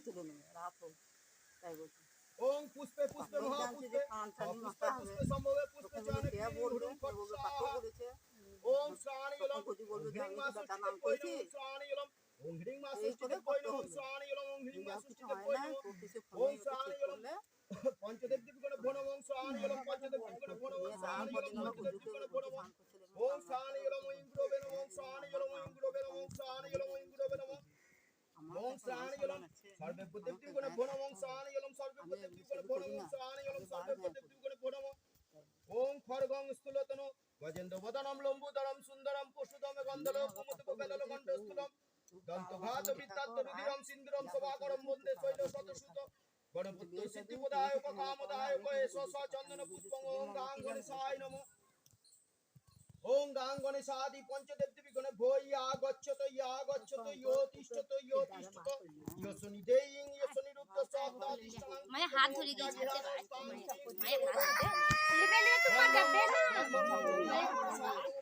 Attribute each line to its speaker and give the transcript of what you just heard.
Speaker 1: তুলে নেবে রাত হোক তাই বলছি
Speaker 2: ওং পুষ্পে পুষ্পে মহাপুষ্পে পুষ্পে পুষ্পে সম্ভবে পুষ্পে জানকী হুরুম ফট্ ওং শ্রাণি ইলম হ্রিং মা ষষ্ঠীতে কই নমঃ শ্রাণি ইলম ওং হ্রিং মা ষষ্ঠীতে কই নমঃ শ্রাণি ইলম ওং হ্রিং মা ষষ্ঠীতে কই নমঃ ওং শ্রাণি ইলম পঞ্চদেব দেবীগণে ভো নমঃ শ্রাণি ইলম পঞ্চদেব দেবীগণে ভো নমঃ শ্রাণি ইলম পঞ্চদেব দেবীগণে ভো নমঃ ওং শ্রাণি ইলম ওং গুরবে নমঃ ওং শ্রাণি ইলম ওং গুরবে নমঃ ওং শ্রাণি ইলম ওং গুরবে নমঃ ওং শ্রাণি ইলম সর্বে দেবীগণে ভো নমঃ ওং শ্রাণি ইলম সর্বে দেবীগণে ভো নমঃ ওং শ্রাণি ইলম সর্বে দেবীগণে ভো নমঃ ওং খড়গং স্থূলতনু গজেন্দ্র বদনম লম্বুদরম সুন্দরম পশুদম গন্ধলো কুমুদক বেলল কণ্ঠস্থূলম দন্তঘাত বিদ্যাত রুধিরম সিন্দুরম সভাকরম বন্দে শৈল শতসুত গণপতি সিদ্ধিপদায়ক কামদায়ক এষ চন্দন পুষ্পং ওং গাং গণেশায় নমঃ ওং গাং গণেশাদি পঞ্চদেব দেবীগণে ভো ইয়া গচ্ছত ইয়ো তিষ্ঠত ইয়ো শনি দেয়িং ইয়ো শনি রুদ্র সপ্তা তিষ্ঠং
Speaker 3: মানে হাত ধরে গেছে মায়ের হাত ধরে লিবে লিবে তো পাঠাবে না